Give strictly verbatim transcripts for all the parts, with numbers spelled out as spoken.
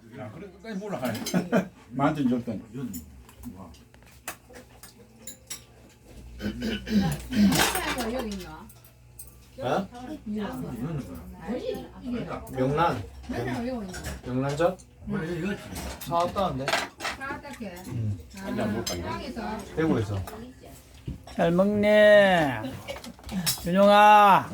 야, 그래 끝까지 몰라 가야. 만든 적던. 회사가 여기 있나? 어? 아니 이게 명란. 회사가 여기 있나? 명란젓? 사왔다는데. 까딱해. 아니 안 볼까 이거. 땅에서 대구에서. 잘 먹네. 윤용아.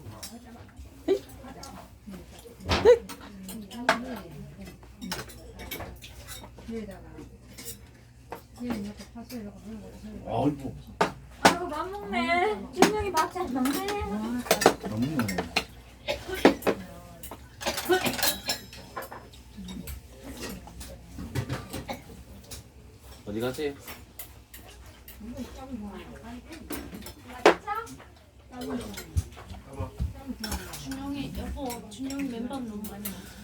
여기다가 여기 이렇게 파서 이렇게 하는 거. 어이구. 아이고 밥 먹네. 준영이 밥 잘 먹네. 너무 어디 가세요? 준영이 여보, 준영이 맨밥 너무 많이 먹어.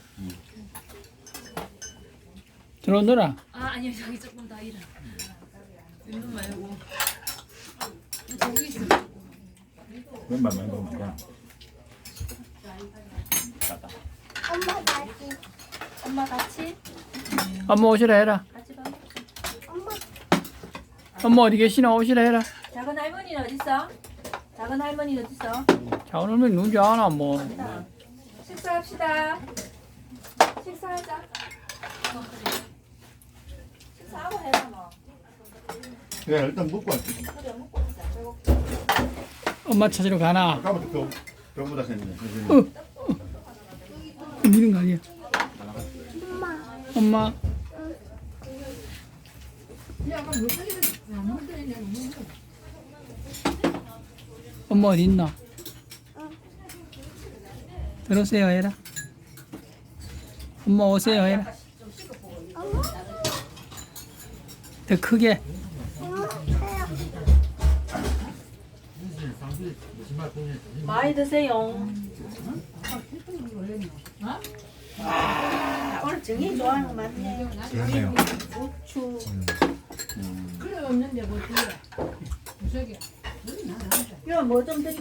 들어오너라. 아 아니요 저기 조금 더 일어. 맨밥 말고. 저기 있어. 왼발 맨발 먹자. 엄마 같이. 엄마 같이. 엄마 오시라 해라. 같이 밥. 엄마 어디 계시나 오시라 해라. 작은 할머니는 어디 있어? 작은 할머니는 어디 있어? 자 오늘 누군지 아나 뭐. 식사합시다. 식사하자. 식사하고 해라 뭐. 그래 일단 먹고 왔지. 그래 먹고 있자. 배고. 엄마 찾으러 가나. 아까부터 또 병보다 생기네. 미는 거 아니야. 엄마. 야, 그럼 무슨 일을 안 먹더니 엄마 어디 있나? 들어오세요 해라. 엄마 오세요 해라. 더 크게. 많이 드세요. 오늘 정이 좋아하는 거 많네. 그러네요. 고추. 그래 없는데 뭐 뒤에 무석이. 이거 뭐 좀 드릴까?